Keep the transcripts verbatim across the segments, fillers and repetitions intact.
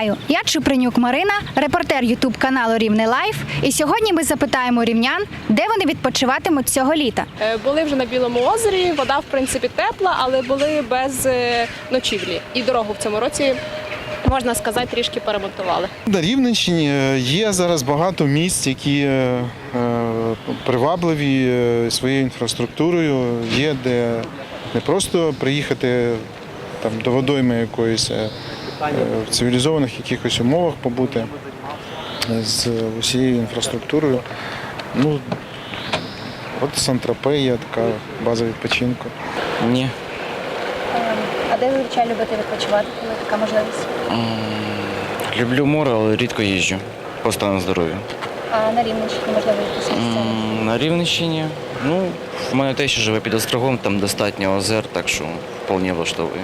Вітаю! Я Чупринюк Марина, репортер ютуб каналу Рівне Лайф. І сьогодні ми запитаємо рівнян, де вони відпочиватимуть цього літа. Були вже на Білому озері, вода в принципі тепла, але були без ночівлі. І дорогу в цьому році, можна сказати, трішки перемонтували. На Рівненщині є зараз багато місць, які привабливі своєю інфраструктурою. Є де не просто приїхати там, до водойми якоїсь, в цивілізованих якихось умовах побути з усією інфраструктурою. Ну, от Сан-Тропе є така база відпочинку. Ні. А де ви зазвичай любите відпочивати, коли така можливість? Люблю море, але рідко їжджу по стану здоров'я. А на Рівненщині, можливо, якісь місця? На Рівненщині, ну, в мене те, що живе під Острогом, там достатньо озер, так що вполне влаштовує.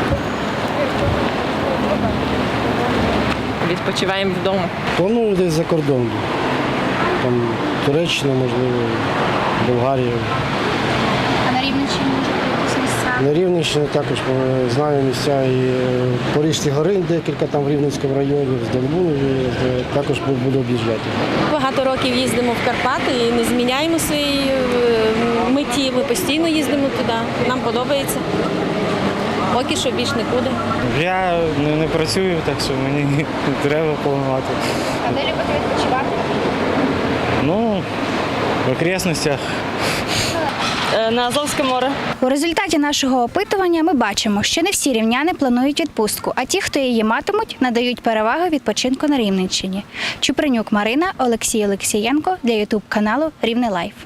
Відпочиваємо вдома. Планую десь за кордон. Там Туреччина, можливо, Болгарія. А на Рівненщині, можливо, якісь місця? На Рівненщині також е, знаю місця і е, Порізькі гори, декілька там в Рівненському районі, в Здолбунові, е, також буду об'їжджати. Багато років їздимо в Карпати і не зміняємо своєї е, меті. Ми постійно їздимо туди. Нам подобається. Поки що більш нікуди. Я не, не працюю, так що мені не треба планувати. А де любите відпочивати? Ну, в окресностях. На Азовське море. У результаті нашого опитування ми бачимо, що не всі рівняни планують відпустку, а ті, хто її матимуть, надають перевагу відпочинку на Рівненщині. Чупринюк Марина, Олексій Олексієнко для ютуб каналу Рівне Лайф.